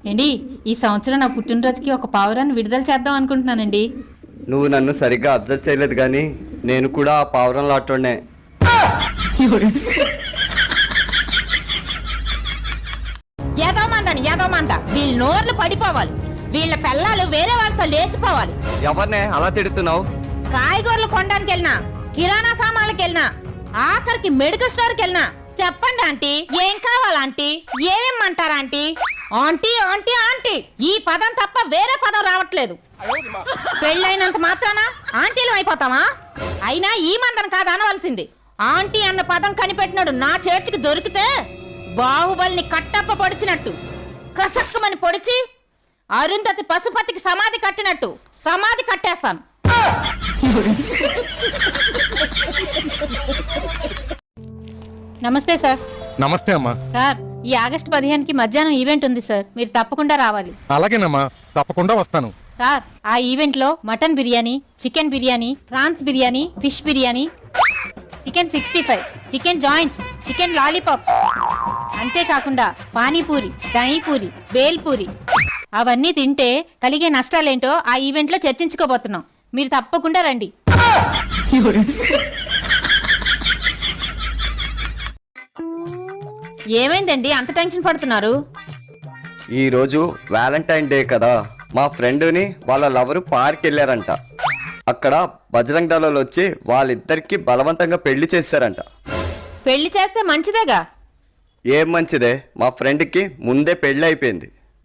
ఏండి ఈ సంవత్సరం నా పుట్టినరోజుకి ఒక పావురాన్ని విడుదల చేద్దాం అనుకుంటున్నానండి. నువ్వు నన్ను సరిగ్గా అబ్జర్వ్ చేయలేదు కానీ నేను కూడా ఆ పావురం లాటోనే. ఏదోమంద వీళ్ళ నోర్లు పడిపోవాలి, వీళ్ళ పిల్లలు వేరే వాళ్ళతో లేచిపోవాలి. ఎవరినే అలా తిడుతున్నావు? కాయగూరలు కొనడానికి వెళ్ళినా, కిరాణా సామాన్లకు వెళ్ళినా, ఆఖరికి మెడికల్ స్టోర్కి వెళ్ళినా చెప్పండి ఆంటీ, ఏం కావాలంటీ, ఏమేమంటారా ఆంటీ? ఆంటీ ఆంటీ ఆంటీ ఈ పదం తప్ప వేరే పదం రావట్లేదు. పెళ్ళైనంత మాత్రాన ఆంటీలు అయిపోతావా? అయినా ఈ మందన కాదు అనవలసింది. ఆంటీ అన్న పదం కనిపెట్టినాడు నా చేతికి దొరికితే బాహుబలిని కట్టప్ప పొడిచినట్టు కసక్కమని పొడిచి అరుంధతి పశుపతికి సమాధి కట్టినట్టు సమాధి కట్టేస్తాను. నమస్తే సార్. నమస్తే అమ్మా. సార్, ఈ ఆగస్టు 15కి మధ్యాహ్నం ఈవెంట్ ఉంది సార్, మీరు తప్పకుండా రావాలి. అలాగేనమ్మా, తప్పకుండా వస్తాను. సార్, ఆ ఈవెంట్ లో mutton biryani, chicken biryani, prawns biryani, fish biryani, chicken 65, chicken joints, chicken lollipops, అంతేకాకుండా పానీపూరి, దహీపూరి, బేల్పూరి అవన్నీ తింటే కలిగే నష్టాలేంటో ఆ ఈవెంట్ లో చర్చించుకోబోతున్నాం. మీరు తప్పకుండా రండి. ఏమైందండి అంత టెన్షన్ పడుతున్నారు? ఈ రోజు వ్యాలంటైన్ డే కదా, మా ఫ్రెండ్ని వాళ్ళ లవరు పార్క్ వెళ్ళారంట. అక్కడ బజరంగ్ దళాలు వచ్చి వాళ్ళిద్దరికి బలవంతంగా పెళ్లి చేశారంట. పెళ్లి చేస్తే మంచిదేగా. ఏం మంచిదే, మా ఫ్రెండ్కి ముందే పెళ్లి అయిపోయింది.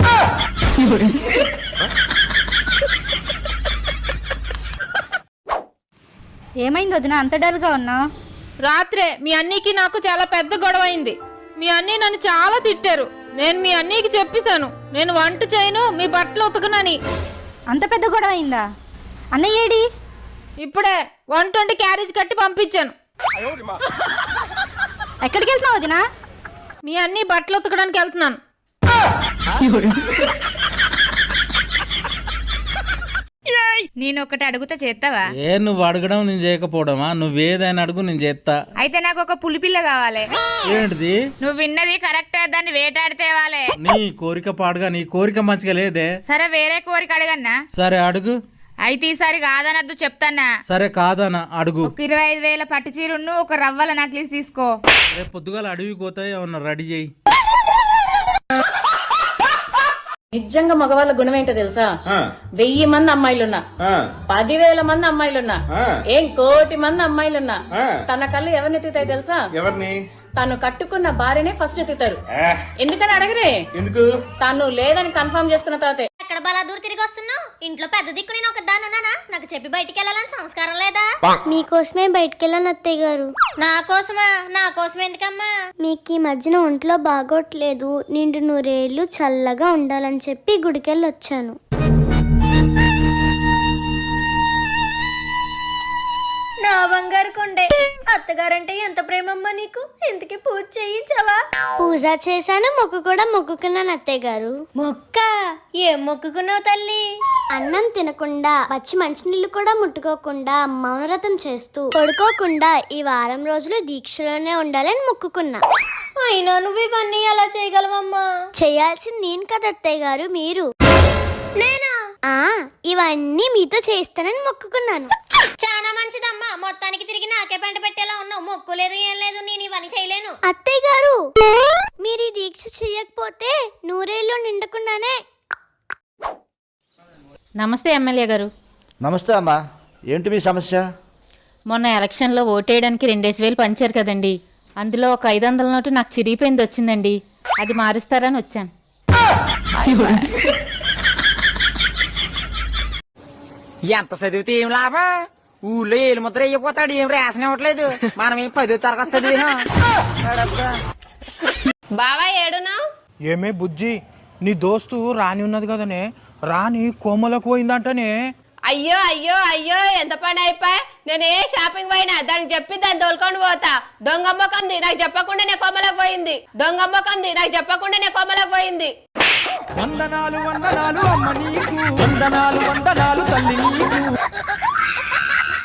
ఏమైంది వదిన అంత డల్గా ఉన్నా? రాత్రే మీ అన్నీకి నాకు చాలా పెద్ద గొడవ అయింది. మీ అన్నీ నన్ను చాలా తిట్టారు. నేను మీ అన్నీకి చెప్పేశాను నేను వంట చేయను, మీ బట్టలు ఉతకనని. అంత పెద్ద గొడవ అయిందా? అన్నయ్య ఏడి? ఇప్పుడే వంట వండి క్యారేజ్ కట్టి పంపించాను. ఎక్కడికి వెళ్తున్నావు వదినా? మీ అన్నీ బట్టలు ఉతకడానికి వెళ్తున్నాను. నేను ఒకటి అడుగుతా చేస్తావా? ఏ నువ్వు అడగడం నేను చేయకపోవడమా? నువ్వేదైనా అడుగు నేను చేస్తా. అయితే నాకు ఒక పులిపిల్ల కావాలి. ఏంటిది? నువ్వు విన్నది కరెక్ట్, దాన్ని వేటాడితేవాలే. నీ కోరిక పాడుగా, నీ కోరిక మంచిగా లేదే. సరే వేరే కోరిక అడగన్నా? సరే అడుగు. అయితే ఈసారి కాదనద్దు చెప్తానా? సరే కాదనా అడుగు. ఒక 25,000 పట్టు చీరును ఒక రవ్వల నక్లీస్ తీసుకో. రేపు పొద్దుగాల అడవికి పోతాయి, ఏమన్నా రెడీ చేయి. నిజంగా మగవాళ్ళ గుణం ఏంటో తెలుసా? 1000 మంది అమ్మాయిలున్నా, 10,000 మంది అమ్మాయిలున్నా, ఏం 1,00,00,000 మంది అమ్మాయిలున్నా తన కళ్ళు ఎవరిని ఎత్తుతాయి తెలుసా? ఎవరిని? తను కట్టుకున్న భార్యనే ఫస్ట్ ఎత్తుతారు. ఎందుకని అడగరే? ఎందుకు? తను లేదని కన్ఫర్మ్ చేసుకున్న తర్వాతే. ఎక్కడ బలాదూరు తిరిగి వస్తున్నావు? ఇంట్లో పెద్ద దిక్కు నేను ఒక దాన్ని ఉన్నానా? నాకు చెప్పి బయటికి వెళ్ళాలని సంస్కారం లేదా? మీకోసమే బయటికి వెళ్ళాను అత్తయ్య గారు. నా కోసమా? నా కోసం ఎందుకమ్మా? మీకు ఈ మధ్యన ఒంట్లో బాగోట్లేదు, నిండు నూరేళ్లు చల్లగా ఉండాలని చెప్పి గుడికెళ్ళి వచ్చాను. నా బంగారు కొండే, అత్తగారంటే ఎంత ప్రేమమ్మా నీకు. ఇంతకీ పూజ చేయించావా? పూజ చేశాను, మొక్కు కూడా మొక్కుకున్నాను అత్తయ్య గారు. మొక్క? ఏం మొక్కుకున్నావు తల్లి? అన్నం తినకుండా, పచ్చి మంచినీళ్ళు కూడా ముట్టుకోకుండా, మౌనవ్రతం చేస్తూ, పడుకోకుండా ఈ వారం రోజులు దీక్షలోనే ఉండాలని మొక్కుకున్నా. అయినా నువ్వు ఇవన్నీ ఎలా చేయగలవమ్మా? చేయాల్సింది నేను కదా అత్తయ్య గారు, మీరు. నేనా? ఇవన్నీ మీతో చేస్తానని మొక్కుకున్నాను. చాలా మంచిదమ్మా. మొత్తానికి తిరిగి నాకే పెంట పెట్టేలా ఉన్నావు. మొక్కు లేదు ఏం లేదు, నేను ఇవన్నీ చేయలేను. అత్తయ్య గారు, మీరు ఈ దీక్ష చెయ్యకపోతే నూరేళ్ళు నిండకుండానే. నమస్తే ఎమ్మెల్యే గారు. నమస్తే అమ్మా, ఏంటి మీ సమస్య? మొన్న ఎలక్షన్లో ఓటేయడానికి 2,000 పంచారు కదండి, అందులో ఒక 500 నోటు నాకు చిరిగిపోయింది వచ్చిందండి, అది మారుస్తారని వచ్చాను. ఎంత చదివితే ఏం లాభం? ఊళ్ళో ఏలు ముద్ర అయిపోతాడు, ఏం రేషన్ ఇవ్వట్లేదు. మనం ఏం 10వ తరగతి చదివినా. బావా ఏడునా? ఏమే బుజ్జి, నీ దోస్తు రాణి ఉన్నది కదనే, రాణి కోమలకు పోయిందంటనే. అయ్యో అయ్యో అయ్యో, ఎంత పని అయిపోయి. నేను ఏ షాపింగ్ పోయినా దానికి చెప్పి దాన్ని తోలుకొని పోతా. దొంగమ్మకంది నాకు చెప్పకుండానే కోమలకు పోయింది. దొంగమ్మకంది నాకు చెప్పకుండానే కోమలకు పోయింది. వందనాలు వందనాలు అమ్మ నీకు, వందనాలు వందనాలు తల్లి నీకు.